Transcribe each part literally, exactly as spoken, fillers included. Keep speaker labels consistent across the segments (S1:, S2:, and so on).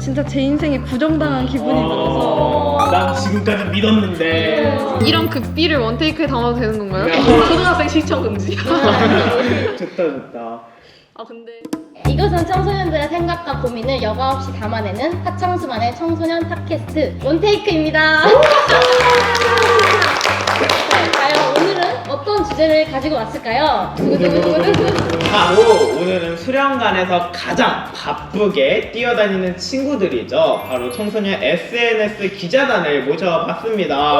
S1: 진짜 제 인생에 부정당한 기분이 들어서
S2: 난 지금까지 믿었는데
S3: 이런 극비를 원테이크에 담아도 되는 건가요?
S4: 초등학생 시청 금지.
S2: 좋다 좋다.
S4: 아 근데
S5: 이것은 청소년들의 생각과 고민을 여과 없이 담아내는 하창수만의 청소년 팟캐스트 원테이크입니다. 자, 과연 오늘은 어떤 주제를 가지고 왔을까요?
S2: 바로 오늘은 수련관에서 가장 바쁘게 뛰어다니는 친구들이죠. 바로 청소년 에스엔에스 기자단을 모셔봤습니다. 와.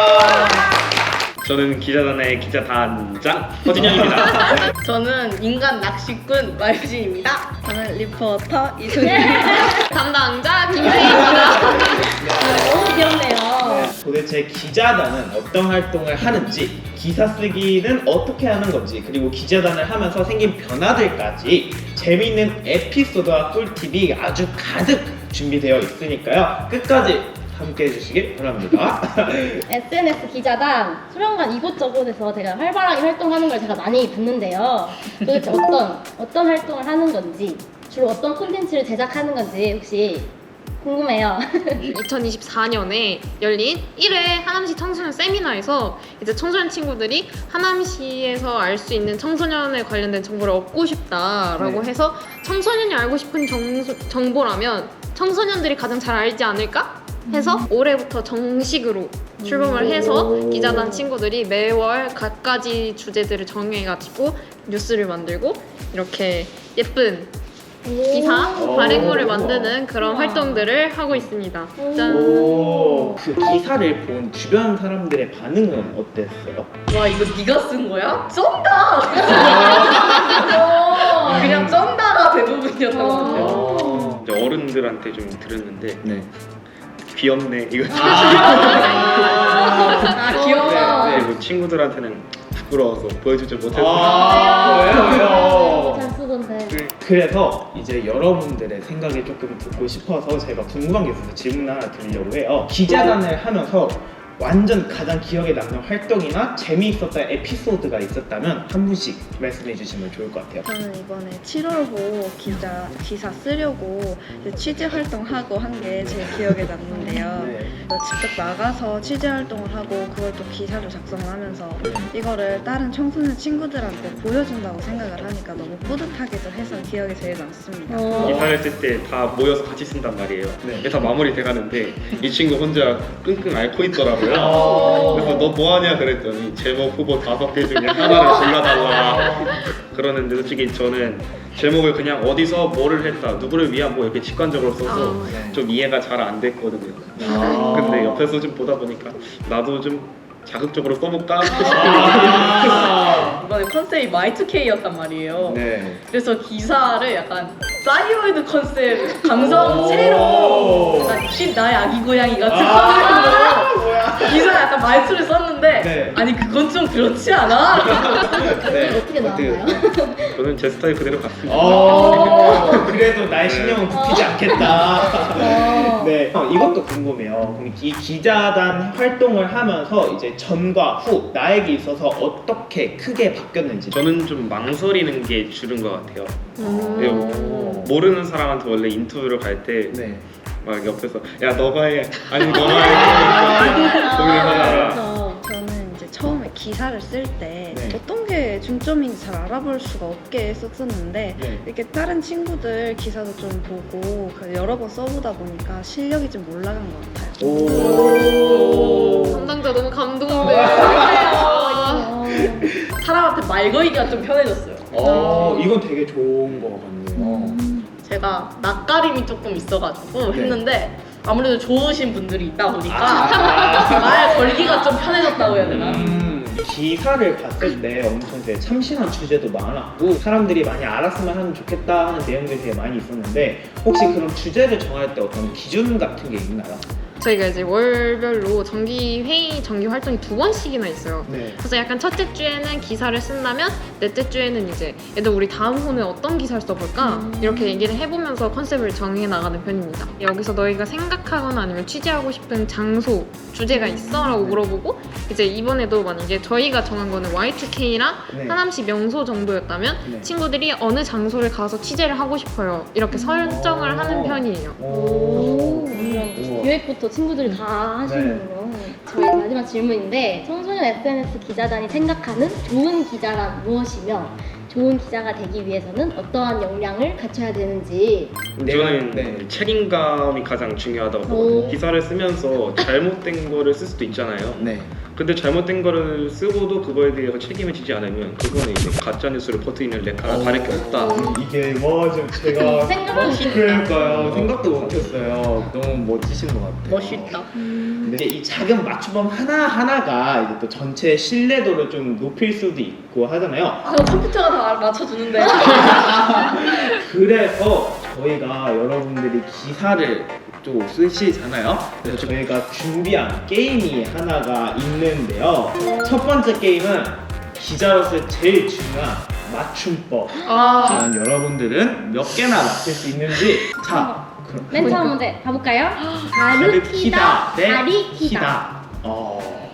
S6: 저는 기자단의 기자단장 허진영입니다.
S4: 저는 인간 낚시꾼 마유진입니다.
S1: 저는 리포터 이순희.
S3: 담당자 김세희입니다.
S5: 너무 귀엽네요.
S2: 도대체 기자단은 어떤 활동을 하는지, 기사 쓰기는 어떻게 하는 건지, 그리고 기자단을 하면서 생긴 변화들까지 재미있는 에피소드와 꿀팁이 아주 가득 준비되어 있으니까요. 끝까지 함께 해주시길 바랍니다.
S5: 에스엔에스 기자단 수련관 이곳저곳에서 제가 활발하게 활동하는 걸 제가 많이 봤는데요. 도대체 어떤 어떤 활동을 하는 건지, 주로 어떤 콘텐츠를 제작하는 건지 혹시 궁금해요.
S3: 이천이십사 년에 열린 일 회 하남시 청소년 세미나에서 이제 청소년 친구들이 하남시에서 알 수 있는 청소년에 관련된 정보를 얻고 싶다라고
S2: 네.
S3: 해서 청소년이 알고 싶은 정수, 정보라면 청소년들이 가장 잘 알지 않을까? 해서 올해부터 정식으로 출범을 해서 기자단 친구들이 매월 갖가지 주제들을 정해가지고 뉴스를 만들고 이렇게 예쁜 기사, 발행물을 만드는 그런 활동들을 하고 있습니다. 짠!
S2: 오, 그 기사를 본 주변 사람들의 반응은 어땠어요?
S4: 와 이거 네가 쓴 거야? 쩐다. 그냥 쩐다가 대부분이었던 것 같아요.
S2: 어.
S6: 이제 어른들한테 좀 들었는데
S2: 네.
S6: 귀엽네 이거.
S4: 아 귀여워.
S2: 네,
S6: 그리고 친구들한테는 부끄러워서 보여주지 못해서.
S2: 아, 왜요, 왜요?
S5: 잘 쓰던데.
S2: 그래서 이제 여러분들의 생각을 조금 듣고 싶어서 제가 궁금한 게 있어서 질문 하나 드리려고 해요. 기자단을 하면서 완전 가장 기억에 남는 활동이나 재미있었던 에피소드가 있었다면 한 분씩 말씀해 주시면 좋을 것 같아요.
S1: 저는 이번에 칠월호 기자 기사 쓰려고 이제 취재 활동하고 한 게 제일 기억에 남는데요.
S2: 네.
S1: 직접 나가서 취재 활동을 하고 그걸 또 기사로 작성을 하면서 이거를 다른 청소년 친구들한테 보여준다고 생각을 하니까 너무 뿌듯하기도 해서 기억에 제일 남습니다.
S5: 어.
S6: 기사를 쓸 때 다 모여서 같이 쓴단 말이에요.
S2: 네.
S6: 그래서 마무리 돼가는데 이 친구 혼자 끙끙 앓고 있더라고요.
S2: 어.
S6: 그래서 너 뭐하냐 그랬더니 제목 후보 다섯 개 중에 하나를 골라달라 그러는데 솔직히 저는 제목을 그냥 어디서 뭐를 했다 누구를 위한 뭐 이렇게 직관적으로 써서
S3: 아,
S2: 네.
S6: 좀 이해가 잘 안 됐거든요.
S2: 아.
S6: 근데 옆에서 좀 보다 보니까 나도 좀 자극적으로 써볼까
S2: 아.
S4: 이번에 컨셉이 마이투케이였단 말이에요.
S2: 네.
S4: 그래서 기사를 약간 사이오이드 컨셉 감성체로
S2: 오.
S4: 약간 쉿 나의 아기 고양이 같은
S2: 아,
S4: 컨셉으로
S2: 뭐야.
S4: 기사 약간 말투를 썼는데
S2: 네.
S4: 아니 그건 좀 그렇지 않아?
S2: 네.
S5: 어떻게 나왔나요?
S6: 저는 제 스타일 그대로 갔습니다.
S2: 어, 그래도 나의 신념은 굽히지 않겠다.
S5: 어.
S2: 네, 어, 이것도 궁금해요. 그럼 이 기자단 활동을 하면서 이제 전과 후 나에게 있어서 어떻게 크게 바뀌었는지.
S6: 저는 좀 망설이는 게 주는 것 같아요.
S3: 음.
S6: 네, 모르는 사람한테 원래 인터뷰를 갈 때 막
S2: 네.
S6: 옆에서 야 너가 해 아니 너가 해 고민을 하다가
S5: 그렇죠.
S1: 저는 이제 처음에 기사를 쓸 때
S2: 네.
S1: 어떤 게 중점인지 잘 알아볼 수가 없게 썼었는데
S2: 네.
S1: 이렇게 다른 친구들 기사도 좀 보고 그 여러 번 써보다 보니까 실력이 좀 올라간 것 같아요.
S2: 오.
S3: 담당자 너무 감동돼.
S5: 어.
S4: 사람한테 말 걸기가 좀 편해졌어요.
S2: 어, 이건 되게 좋은 거 같네요.
S4: 제가 낯가림이 조금 있어가지고
S2: 네.
S4: 했는데 아무래도 좋으신 분들이 있다 보니까
S2: 아.
S4: 말 걸기가 좀 편해졌다고 해야 되나?
S2: 음, 기사를 봤을 때 엄청 되게 참신한 주제도 많았고 사람들이 많이 알았으면 하면 좋겠다 하는 내용들이 되게 많이 있었는데 혹시 그런 주제를 정할 때 어떤 기준 같은 게 있나요?
S3: 저희가 이제 월별로 정기 회의, 정기 활동이 두 번씩이나 있어요.
S2: 네.
S3: 그래서 약간 첫째 주에는 기사를 쓴다면 넷째 주에는 이제 얘들 우리 다음 호는 어떤 기사를 써볼까? 이렇게 얘기를 해보면서 컨셉을 정해 나가는 편입니다. 여기서 너희가 생각하거나 아니면 취재하고 싶은 장소, 주제가 있어? 라고 물어보고 이제 이번에도 만약에 저희가 정한 거는 와이 투 케이랑
S2: 네.
S3: 하남시 명소 정도였다면
S2: 네.
S3: 친구들이 어느 장소를 가서 취재를 하고 싶어요. 이렇게 설정을 하는 편이에요.
S5: 오,
S2: 오.
S5: 이런
S2: 우와.
S5: 기획부터 친구들이 다 하시는군요. 저희 마지막 질문인데 청소년 에스엔에스 기자단이 생각하는 좋은 기자란 무엇이며 좋은 기자가 되기 위해서는 어떠한 역량을 갖춰야 되는지.
S6: 저는
S2: 네.
S6: 책임감이 가장 중요하다고
S5: 오.
S6: 보거든요. 기사를 쓰면서 잘못된 거를 쓸 수도 있잖아요.
S2: 네.
S6: 근데 잘못된 거를 쓰고도 그거에 대해서 책임을 지지 않으면 그거는 이제 가짜 뉴스를 퍼뜨리는 렉하나 다를 게 없다.
S2: 이게 뭐좀 제가
S5: 생각도
S2: 그러니까요. 생각도 못했어요. 너무 멋지신 것 같아요.
S4: 멋있다.
S2: 근데 이 작은 맞춤법 하나 하나가 이제 또 전체 신뢰도를 좀 높일 수도 있고 하잖아요.
S4: 아, 컴퓨터가 다 맞춰주는데.
S2: 그래서 저희가 여러분들이 기사를 또 쓰시잖아요. 그래서 저희가 준비한 게임이 하나가 있는데요. 첫 번째 게임은 기자로서 제일 중요한 맞춤법.
S3: 아,
S2: 과연 여러분들은 몇 개나 맞힐 수 있는지. 자, 그럼
S5: 맨 처음 문제 가볼까요?
S2: 가르키다 대
S5: 가리키다.
S2: 키다. 어.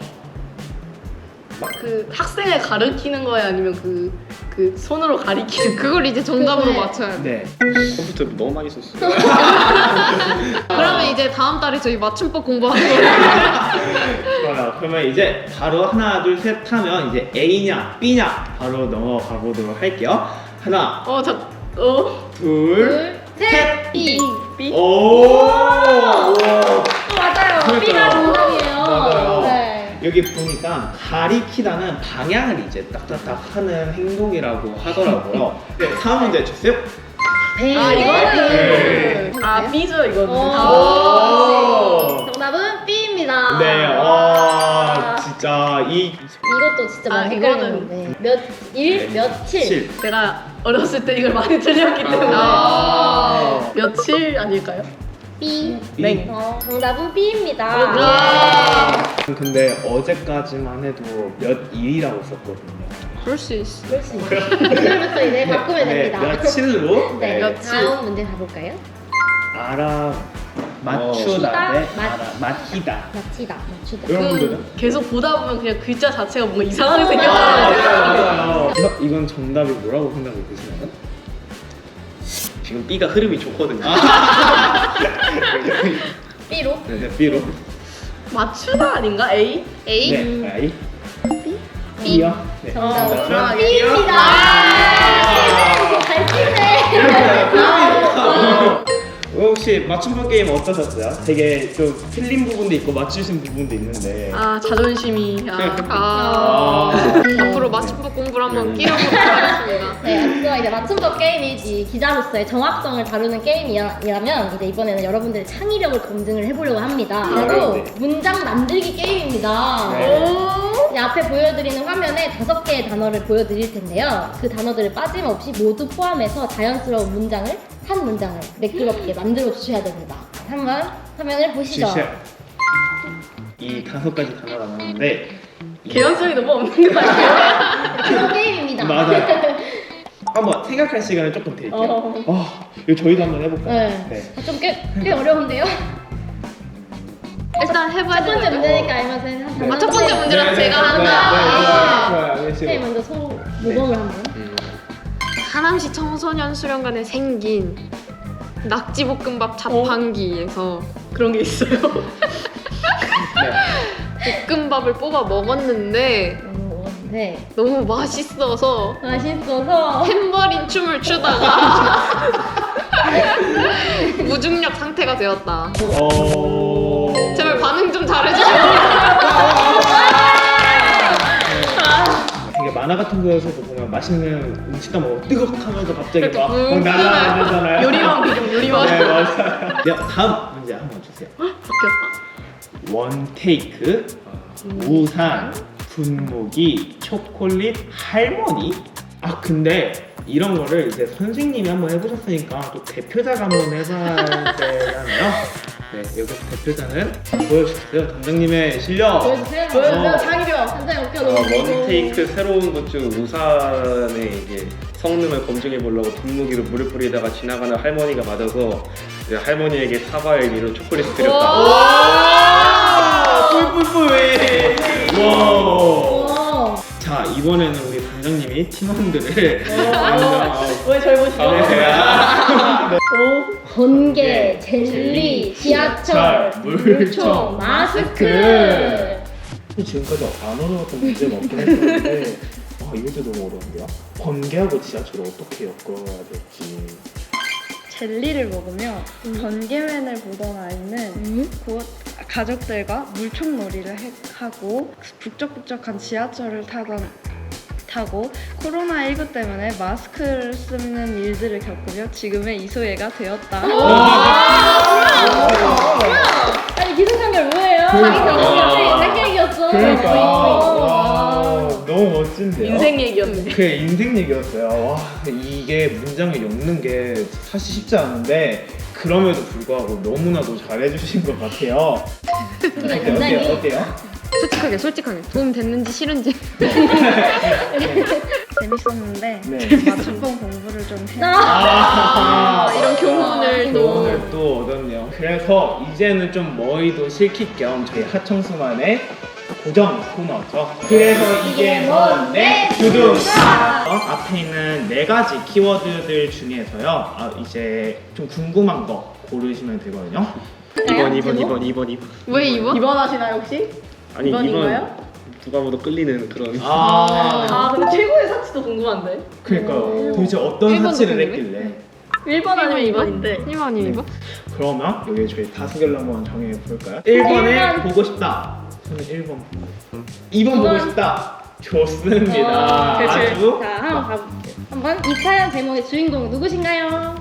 S4: 그 학생을 가르키는 거예요? 아니면 그, 그 손으로 가리키는 거?
S3: 그걸 이제 정답으로
S5: 그거에-
S3: 맞춰야 돼.
S2: 네.
S6: 컴퓨터 너무 많이 썼어요.
S3: 그러면 이제 다음 달에 저희 맞춤법 공부하는 거예요.
S2: 좋아요. 그러면 이제 바로 하나, 둘, 셋 하면 이제 A냐, B냐 바로 넘어가 보도록 할게요. 하나,
S4: 어, 저, 어.
S2: 둘,
S5: 둘, 셋,
S4: B. B?
S2: 오! 우와.
S5: 맞아요.
S2: 그러니까요.
S5: B가 정답이에요.
S2: 맞아요.
S5: 네.
S2: 여기 보니까 가리키다는 방향을 이제 딱딱딱 하는 행동이라고 하더라고요. 네, 다음 문제 주세요.
S5: 배.
S4: 아,
S2: 네.
S4: 이거는. 아, B죠, 이거는.
S2: 오.
S5: 정답은 B입니다.
S2: 네, 와, 진짜 이
S5: 이것도 진짜
S4: 아,
S5: 많이
S4: 이거는-
S5: 헷갈리는데 몇일 며칠.
S2: 칠.
S4: 제가 어렸을 때 이걸 많이 틀렸기 때문에.
S2: 아.
S4: 며칠 아닐까요?
S5: B.
S4: 네.
S5: 어, 정답은 B입니다.
S4: 와.
S2: 근데 어제까지만 해도 몇 일이라고 썼거든요.
S3: 그럴 수 있어.
S5: 그럴 수 있어요. 오늘부터 이제 바꾸면
S2: 네,
S5: 됩니다.
S2: 며칠로
S5: 네,
S4: 며칠.
S5: 다음 문제 가볼까요?
S2: 알아 맞추다
S5: 맞추다,
S2: 대
S5: 맞-
S2: 알아 맞히다.
S5: 맞히다, 맞추다.
S2: 이런 분들은?
S4: 그건 계속 보다 보면 그냥 글자 자체가 뭔가 이상하게
S2: 아,
S4: 생겼어요.
S2: 맞아요. 이거- 이건 정답이 뭐라고 생각이 드시나요?
S6: 지금 B가 흐름이 좋거든요.
S5: B로?
S2: 네, B로.
S4: 맞추다 아닌가? A?
S3: A?
S2: 네, I.
S5: B?
S2: B요. 네.
S5: 정답은
S2: 정답은
S5: B입니다.
S2: 아.
S5: 잘 치네.
S2: 혹시 맞춤법 게임 어떠셨어요? 되게 좀 틀린 부분도 있고 맞추신 부분도 있는데.
S4: 아, 자존심이. 아.
S3: 아,
S2: 아.
S3: 앞으로 맞춤법 공부를 한번
S2: 네.
S3: 끼워보도록 하겠습니다.
S5: 네, 앞서 이제 맞춤법 게임이지 기자로서의 정확성을 다루는 게임이라면 이제 이번에는 여러분들의 창의력을 검증을 해보려고 합니다. 바로
S2: 네.
S5: 문장 만들기 게임입니다.
S2: 네.
S5: 이제 앞에 보여드리는 화면에 다섯 개의 단어를 보여드릴 텐데요. 그 단어들을 빠짐없이 모두 포함해서 자연스러운 문장을 한 문장을 매끄럽게 만들어 주셔야 됩니다. 한번 화면을 보시죠.
S2: 시작. 이 다섯 가지 단어가 나오는데
S4: 개연성이 너무 없는 거 아니에요?
S5: 그런 게임입니다.
S2: 맞아요. 한번 생각할 시간을 조금 드릴게요.
S5: 어.
S2: 어, 이거 저희도 한번 해볼까요?
S5: 네.
S2: 네.
S5: 좀 꽤, 꽤 어려운데요?
S3: 일단 해봐야
S5: 첫 번째
S3: 되는
S5: 문제니까 알면서 한
S3: 아, 첫 번째 문제라서
S2: 네, 네,
S3: 제가
S2: 네,
S3: 한다.
S2: 네, 네,
S3: 아.
S2: 좋아요. 네,
S5: 네,
S2: 지금.
S5: 먼저 소 모범을 한번.
S3: 하남시 청소년 수련관에 생긴 낙지볶음밥 자판기에서
S4: 그런 게 있어요.
S2: 네.
S3: 볶음밥을 뽑아 먹었는데
S5: 오, 네.
S3: 너무 맛있어서
S5: 맛있어서
S3: 탬버린 춤을 추다가 무중력 상태가 되었다.
S2: 어.
S3: 제발 반응 좀 잘해주세요.
S2: 이게 만화 같은 거에서도 보면 맛있는 음식 다 먹고 뜨겁하면서 갑자기
S3: 이렇게
S2: 막, 막
S3: 붕
S2: 날아다니잖아요.
S4: 요리왕 비중, 요리왕.
S2: 네, 맞아요. 네, 다음 문제 한번 주세요.
S4: 바뀌었다.
S2: 원테이크, 우산, 분무기, 초콜릿, 할머니. 아 근데 이런 거를 이제 선생님이 한번 해보셨으니까 또 대표자가 한번 해봐야 되잖아요. 네, 여기서 대표자는 보여주세요. 단장님의 실력.
S5: 보여주세요.
S4: 보여주세요.
S2: 어.
S4: 장기려.
S5: 한장에 어깨가
S6: 어,
S5: 너무 길고.
S6: 원테이크 새로운 것 중 우산에 이게 성능을 검증해 보려고 분무기로 물을 뿌리다가 지나가는 할머니가 맞아서 이제 할머니에게 사과의 의미로 초콜릿을 드렸다.
S2: 와! 뿔뿔뿔! 와!
S5: 와.
S2: 자, 이번에는 우리 단장님이 팀원들을 완전
S4: 왜 절 보시죠?
S2: 네.
S5: 번개,
S2: 네.
S5: 젤리, 지하철, 물총, 마스크.
S7: 지금까지 안 어려웠던 문제가 없긴 했었는데 아 이것도 너무 어려운데요? 번개하고 지하철을 어떻게 엮어야 될지
S1: 젤리를 먹으면 번개맨을 보던 아이는 곧 가족들과 물총놀이를 해- 하고 북적북적한 지하철을 타던 타고 코로나십구 때문에 마스크를 쓰는 일들을 겪으며 지금의 이소혜가 되었다.
S5: 아니 기승전결 뭐예요?
S2: 그러니까.
S5: 자기 생각이었어.
S7: 그러니까
S5: 어.
S7: 와 너무 멋진데요?
S4: 인생 얘기였네.
S7: 그 인생 얘기였어요. 와 이게 문장을 엮는 게 사실 쉽지 않은데 그럼에도 불구하고 너무나도 잘해주신 것 같아요. 어때요?
S5: 굉장히-
S7: 어때요? 어때요?
S3: 솔직하게 솔직하게 도움 됐는지 싫은지.
S1: 재밌었는데
S7: 네.
S1: 맞춤법 공부를 좀 해.
S2: 아,
S3: 이런 교훈을 또
S2: 오늘 또 얻었네요. 그래서 이제는 좀 머리도 실킬 겸 저희 하청수만의 고정 코너죠. 그래서 이게 뭔데? 두둥! 어, 앞에 있는 네 가지 키워드들 중에서요. 아, 이제 좀 궁금한 거 고르시면 되거든요.
S6: 이번 이번 이번 이번 이번.
S3: 왜 이번?
S4: 이번 하시나요 혹시?
S6: 아니
S4: 이번인가요?
S6: 이번 누가 봐도 끌리는 그런.
S2: 아,
S4: 아 근데 최고의 사치도 궁금한데.
S2: 그러니까요. 도대체 어떤
S3: 일본도
S2: 사치를
S3: 궁금해?
S2: 했길래?
S4: 일 번 아니면 이 번인데.
S3: 일 번 아니면 이 번?
S2: 그러면 여기 저희 다수결로 한번 정해볼까요? 일 번에
S5: 일 번.
S2: 보고 싶다. 저는 일 번. 이 번 보고 싶다. 좋습니다.
S5: 어,
S2: 아주.
S5: 자, 한번 가볼게요. 한번 이 사연 제목의 주인공 누구신가요?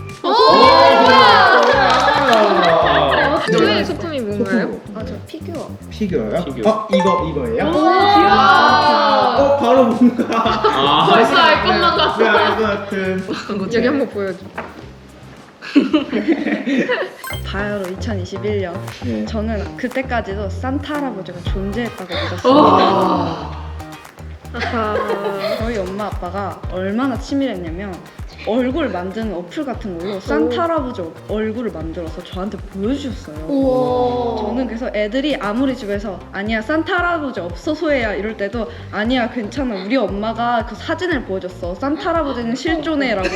S2: 아,
S3: 저의 소품이 뭔가요?
S1: 아, 저 피규어.
S2: 피규어요?
S6: 피규어.
S2: 어, 이거 이거예요?
S3: 아,
S2: 어, 바로 뭔가. 아,
S3: 벌써 알 것만 같아.
S2: 네, 알 것 같은.
S3: 여기 한번 보여줘.
S1: 바야흐로 이천이십일 년.
S2: 네.
S1: 저는 그때까지도 산타 할아버지가 존재했다고 믿었어요. 저희 엄마 아빠가 얼마나 치밀했냐면 얼굴 만드는 어플 같은 걸로 산타 할아버지 얼굴을 만들어서 저한테 보여주셨어요.
S5: 우와.
S1: 저는 그래서 애들이 아무리 집에서 아니야 산타 할아버지 없어 소혜야 이럴 때도 아니야 괜찮아 우리 엄마가 그 사진을 보여줬어 산타 할아버지는 실존해라고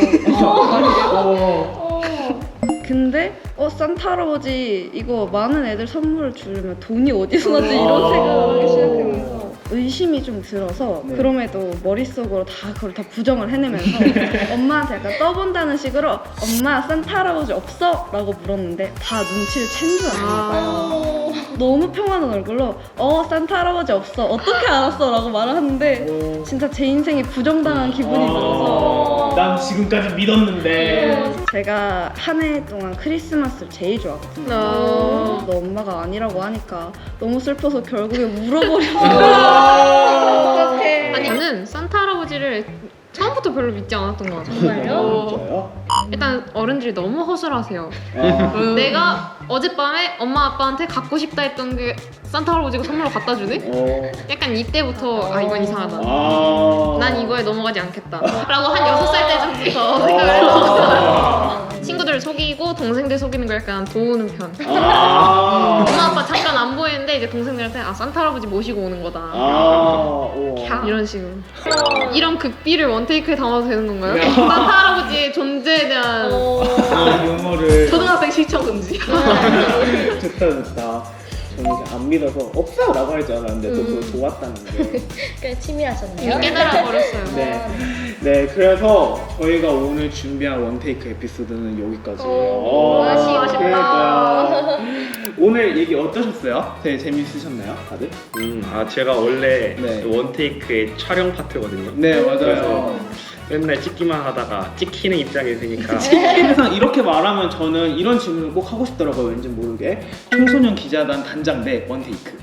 S5: 어.
S1: 근데 어 산타 할아버지 이거 많은 애들 선물을 주려면 돈이 어디서 나지 이런 생각을 하기 시작하면서 의심이 좀 들어서
S2: 네.
S1: 그럼에도 머릿속으로 다 그걸 다 부정을 해내면서 엄마한테 약간 떠본다는 식으로 엄마 산타 할아버지 없어? 라고 물었는데 다 눈치를 챈 줄 아는 거예요. 너무 평안한 얼굴로 어 산타 할아버지 없어 어떻게 알았어? 라고 말을 하는데 진짜 제 인생이 부정당한 기분이 들어서
S2: 난 지금까지 믿었는데.
S1: 제가 한 해 동안 크리스마스를 제일 좋아하거든요.
S3: 어.
S1: 너 엄마가 아니라고 하니까 너무 슬퍼서 결국에 울어버렸어요. 어떡해.
S3: 아니 저는 산타 할아버지를 처음부터 별로 믿지 않았던 것 같아요.
S5: 정말요?
S2: 진짜요?
S3: 일단 어른들이 너무 허술하세요.
S2: 아.
S3: 내가 어젯밤에 엄마 아빠한테 갖고 싶다 했던 게 산타 할아버지가 선물로 갖다 주네?
S2: 어.
S3: 약간 이때부터 아 이건 이상하다.
S2: 아.
S3: 난 이거에 넘어가지 않겠다. 라고 한 여섯 살 때부터 생각을 했었어요. 친구들을 속이고 동생들 속이는 걸 약간 도우는 편.
S2: 아.
S3: 엄마 아빠 잠깐 안 보이는데 이제 동생들한테 아 산타 할아버지 모시고 오는 거다.
S2: 아. 우와.
S3: 이런 식으로. 이런 극비를 원테이크에 담아도 되는 건가요?
S2: 야.
S3: 산타 할아버지의 존재에 대한
S2: 아, 유머를.
S4: 초등학생 시청 금지.
S2: 좋다 좋다. 저는 이제 안 믿어서 없어라고 할 줄 알았는데 또 그걸 좋았다는 게.
S5: 꽤 치밀하셨네요.
S3: 깨달아 버렸어요.
S2: 네. 네, 그래서 저희가 오늘 준비한 원테이크 에피소드는 여기까지예요.
S5: 오, 아쉬웠다.
S2: 그러니까요. 오늘 얘기 어떠셨어요? 되게 재밌으셨나요, 다들?
S6: 음, 아 제가 원래
S2: 네.
S6: 원테이크의 촬영 파트거든요.
S2: 네, 맞아요.
S6: 그래서 맨날 찍기만 하다가 찍히는 입장이 되니까
S2: 항상 이렇게 말하면 저는 이런 질문을 꼭 하고 싶더라고요. 왠지 모르게 청소년 기자단 단장 대 원테이크.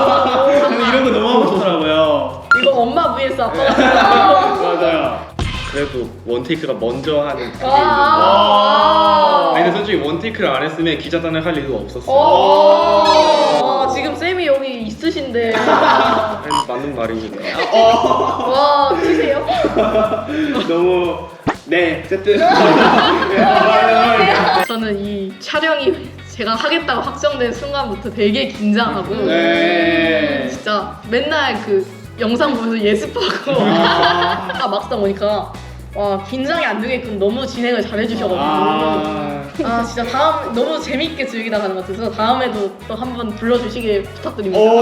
S2: 아, 저는 이런 거 너무 하고 싶더라고요.
S4: 이거 엄마 vs 아빠.
S2: 맞아요.
S6: 그래도 원테이크가 먼저 하는 그게 있는데
S4: 아.
S6: 아니 근데 솔직히 원테이크를 안 했으면 기자단을 할 이유가 없었어요.
S4: 아, 지금 쌤이 여기 있으신데.
S6: 아니, 맞는 말이니까.
S4: 와, 치세요?
S2: 너무 네 어쨌든
S4: 저는 이 촬영이 제가 하겠다고 확정된 순간부터 되게 긴장하고
S2: 네.
S4: 진짜 맨날 그 영상 보면서 예습하고 아 막상 오니까 와 긴장이 안 되게끔 너무 진행을 잘 해주셔가지고
S2: 아,
S4: 아 진짜 다음 너무 재밌게 즐기다 가는 것 같아서 다음에도 또 한번 불러주시길 부탁드립니다.
S2: 오,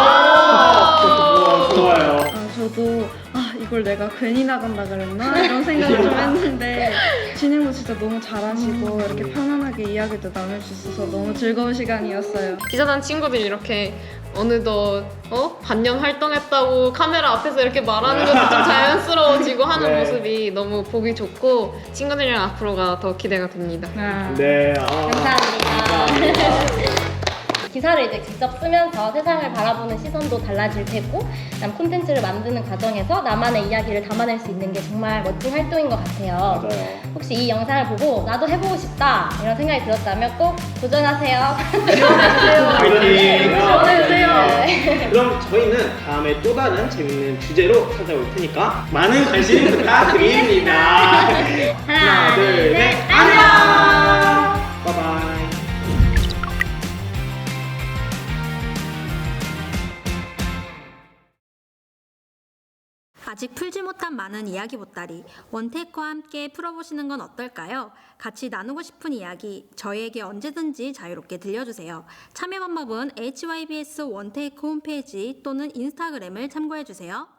S4: 아~
S2: 좋아요.
S1: 아, 저도 아 이걸 내가 괜히 나간다 그랬나 이런 생각을 좀 했는데 진행도 진짜 너무 잘하시고 이렇게 편안하게 이야기도 나눌 수 있어서 너무 즐거운 시간이었어요.
S3: 기자단 친구들이 이렇게 어느덧 어? 반년 활동했다고 카메라 앞에서 이렇게 말하는 것도 좀 자연스러워지고 하는
S2: 네.
S3: 모습이 너무 보기 좋고 친구들이랑 앞으로가 더 기대가 됩니다.
S2: 네. 아.
S5: 감사합니다. 기사를 이제 직접 쓰면서 세상을 바라보는 시선도 달라질 테고, 그다음 콘텐츠를 만드는 과정에서 나만의 이야기를 담아낼 수 있는 게 정말 멋진 활동인 것 같아요.
S2: 맞아요.
S5: 혹시 이 영상을 보고 나도 해보고 싶다 이런 생각이 들었다면 꼭 도전하세요.
S2: 파이팅!
S4: 지원해주세요.
S5: 네.
S2: 그럼 저희는 다음에 또 다른 재밌는 주제로 찾아올 테니까 많은 관심 부탁드립니다.
S5: 하나, 둘, 셋,
S2: 안녕! 바이바이.
S8: 아직 풀지 못한 많은 이야기 보따리 원테이크와 함께 풀어보시는 건 어떨까요? 같이 나누고 싶은 이야기 저희에게 언제든지 자유롭게 들려주세요. 참여 방법은 에이치와이비에스 원테이크 홈페이지 또는 인스타그램을 참고해주세요.